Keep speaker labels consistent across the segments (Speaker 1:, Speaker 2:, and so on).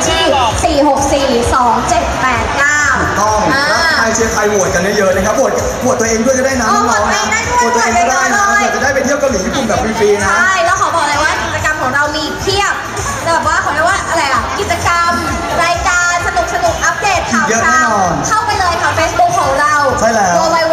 Speaker 1: ที่4642789
Speaker 2: ต้องแล้วใครเชียร์ใครโหวตกันเยอะๆนะครับโหวตตัวเองด้วยก็ได้นะน้องๆนะโหวตตัวเองก็ได้นะเผื่อจะได้ไปเที่ยวเกาหลีญี่ปุ่นแบบฟรีๆนะ
Speaker 1: ใช่แล้วขอบอกเลยว่ากิจกรรมของเรามีเพียบแบบว่าเขาเรียกว่าอะไรอ่ะกิจกรรมรายการสนุกอัปเดตข่าวคราวเข้าไปเลยค่ะ Facebook ของเรา
Speaker 2: ใช่แล้ว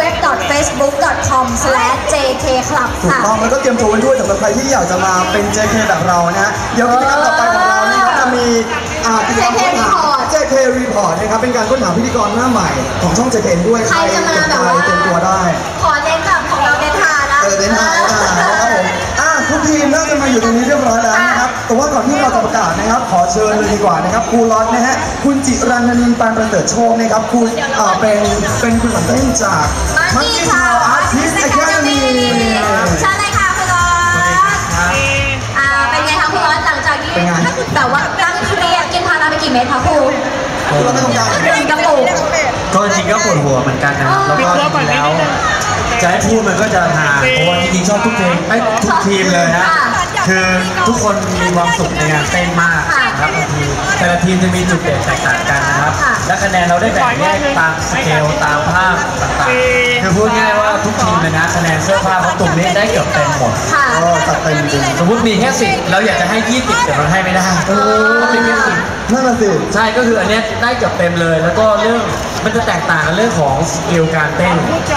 Speaker 1: www.facebook.com/jkclub
Speaker 2: ถูกต้องแล้วก็เตรียมตัวไว้ด้วยสำหรับใครที่อยากจะมาเป็น JK แบบเรานะฮะเดี๋ยวกิจกรรมต่อไปของเรานี่จะมีกิจกรรมค้นหา JK Report นะครับเป็นการค้นหาพิธีกรหน้าใหม่ของช่อง JK ด้วย
Speaker 1: ใครจะมาแบบว่า
Speaker 2: เตรียมตัวได้
Speaker 1: ขอเน้นแบบของเราเน้นทานะ
Speaker 2: เน้นทานะครับผมทุกทีมน่าจะมาอยู่ตรงนี้เรียบร้อยแล้วนะครับแต่ว่าก่อนที่เราจะประกาศนะครับขอเชิญเลยดีกว่านะครับครูล็อตนะฮะคุณจิรันนินปานประเสริฐโชคนะครับคุณเป็นคุณหลังเต้นจากมังกี้ทาวอาร์ติสต์อะคาเดมี่
Speaker 1: ใช่เลยค่ะคุณล็อตเป็นไงคะคุณล็อตหลังจากที่แต่ว่าตั้งเครียดกินพาราไปกี่เม็ดคะครู
Speaker 2: เราไม่ต้องการ
Speaker 1: กินกระปุก
Speaker 3: ก็จริงก็ปวดหัวเหมือนกันนะครับแล้วก็จริงแล้วจะให้พูดมันก็จะห่างเพราะว่าจริงๆชอบทุกเพลงไม่ทุกทีมเลยนะคือทุกคนมีความสุขในงานเต้นมากนะครับบางทีแต่ละทีมจะมีจุดเด่นแตกต่างกันนะครับและคะแนนเราได้แบ่งแยกตามสเกลตามภาพต่างๆคือพูดง่ายว่าทุกทีมเลยนะคะแนนเสื้อผ้าเขาตุ่มนี้ได้เกือบเต็มหมด
Speaker 2: ตัดเต็มจริง
Speaker 3: สมมติมีแค่10เราอยากจะให้20แต่เราให้ไม่ได้เป็นแค่10
Speaker 2: นั่นแหละสิ
Speaker 3: ใช่ก็คืออันนี้ได้เกือบเต็มเลยแล้วก็เรื่องมันจะแตกต่างกันเรื่องของสกิลการเต้น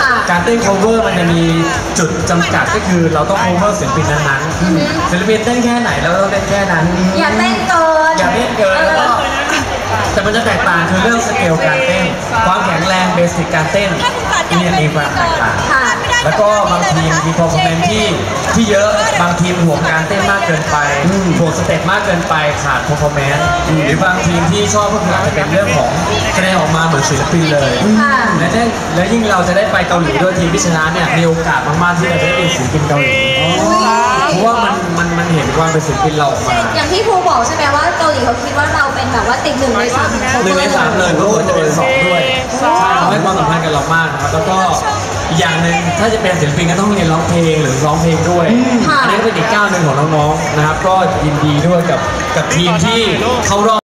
Speaker 3: cover มันจะมีจุดจำกัดก็คือเราต้อง cover ศิลปินนั้นๆศิลปินเต้นแค่ไหนเราต้องเต้นแค่นั้น
Speaker 1: อย่าเต้นเกิน
Speaker 3: แล้วก็แต่มันจะแตกต่างคือเรื่องสเกลการเต้นความแข็งแรงเบสิกการเต้นนี่มีความแตกต่างแล้วก็บางทีมมี performance ที่เยอะบางทีมห่วงการเต้นมากเกินไปห่วงสเต็ปมากเกินไปขาด performance หรือบางทีมที่ชอบก็คืออาจจะเป็นเรื่องของคะแนนออกมาเหมือนศิลปินเลยและยิ่งเราจะได้ไปเกาหลีด้วยทีมที่ชนะเนี่ยมีโอกาสมากๆที่เราจะได้เป็นศิลปินเกาหลีเพราะว่ามันเห็นความเป็นศิลปินเราออกมา
Speaker 1: อย่างที่ครูบอกใช่ไหมว่าเกาหลีเขาคิดว่าเราเป็นแบบว่าติด1 ใน 3
Speaker 3: 1 ใน 3เลยก็ควรจะเป็น2ด้วยใช่เขาให้ความสำคัญกับเรามากนะครับแล้วก็อย่างหนึ่งถ้าจะเป็นศิลปินก็ต้องเรียนร้องเพลงหรือร้องเพลงด้วยอันนี้ก็เป็นอีกก้าวหนึ่งของน้องๆนะครับก็ยินดีด้วยกับทีมที่เขารอบ